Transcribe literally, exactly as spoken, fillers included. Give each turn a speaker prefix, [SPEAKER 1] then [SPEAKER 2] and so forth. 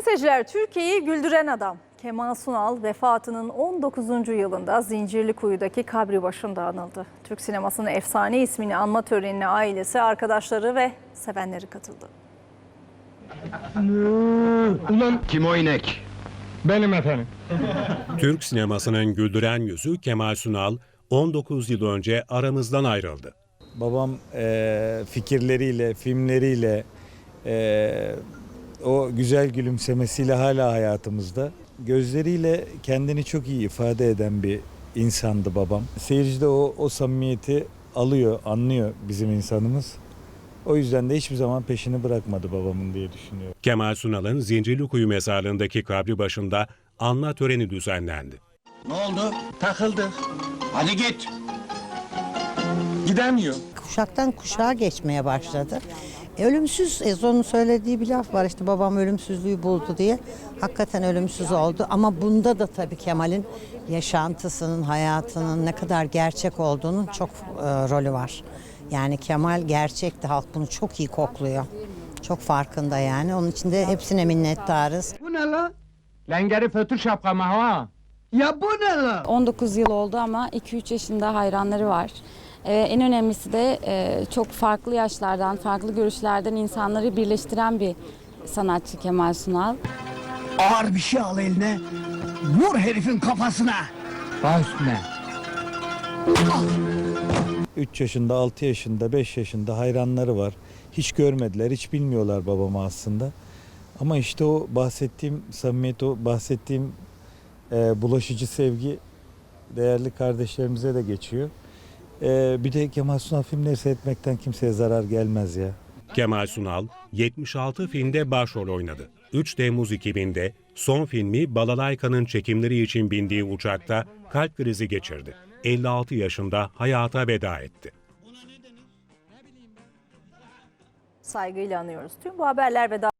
[SPEAKER 1] seyirciler, Türkiye'yi güldüren adam Kemal Sunal vefatının on dokuzuncu yılında Zincirlikuyu'daki kabri başında anıldı. Türk sinemasının efsane ismini anma törenine ailesi, arkadaşları ve sevenleri katıldı.
[SPEAKER 2] Ulan kim o inek? Benim efendim.
[SPEAKER 3] Türk sinemasının güldüren yüzü Kemal Sunal on dokuz yıl önce aramızdan ayrıldı.
[SPEAKER 4] Babam e, fikirleriyle, filmleriyle, e, o güzel gülümsemesiyle hala hayatımızda. Gözleriyle kendini çok iyi ifade eden bir insandı babam. Seyirci de o, o samimiyeti alıyor, anlıyor bizim insanımız. O yüzden de hiçbir zaman peşini bırakmadı babamın diye düşünüyorum.
[SPEAKER 3] Kemal Sunal'ın Zincirlikuyu mezarlığındaki kabri başında anma töreni düzenlendi.
[SPEAKER 5] Ne oldu? Takıldık. Hadi git. Gidemiyor.
[SPEAKER 6] Kuşaktan kuşağa geçmeye başladı. E, ölümsüz, Ezo'nun söylediği bir laf var işte, babam ölümsüzlüğü buldu diye. Hakikaten ölümsüz oldu ama bunda da tabii Kemal'in yaşantısının, hayatının ne kadar gerçek olduğunun çok e, rolü var. Yani Kemal gerçekti, halk bunu çok iyi kokluyor. Çok farkında yani. Onun için de hepsine minnettarız.
[SPEAKER 2] Bu ne la? Lengeri fötür şapkamı ha. Ya bu ne la?
[SPEAKER 7] on dokuz yıl oldu ama iki üç yaşında hayranları var. Ee, en önemlisi de e, çok farklı yaşlardan, farklı görüşlerden insanları birleştiren bir sanatçı Kemal Sunal.
[SPEAKER 5] Ağır bir şey al eline. Vur herifin kafasına.
[SPEAKER 2] Baş üstüne.
[SPEAKER 4] üç yaşında, altı yaşında, beş yaşında hayranları var. Hiç görmediler, hiç bilmiyorlar babamı aslında. Ama işte o bahsettiğim samimiyet, o bahsettiğim e, bulaşıcı sevgi değerli kardeşlerimize de geçiyor. E, bir de Kemal Sunal filmleri seyretmekten kimseye zarar gelmez ya.
[SPEAKER 3] Kemal Sunal yetmiş altı filmde başrol oynadı. üç Temmuz iki binde son filmi Balalayka'nın çekimleri için bindiği uçakta kalp krizi geçirdi. elli altı yaşında hayata veda etti.
[SPEAKER 1] Saygıyla anıyoruz. Tüm bu haberler ve daha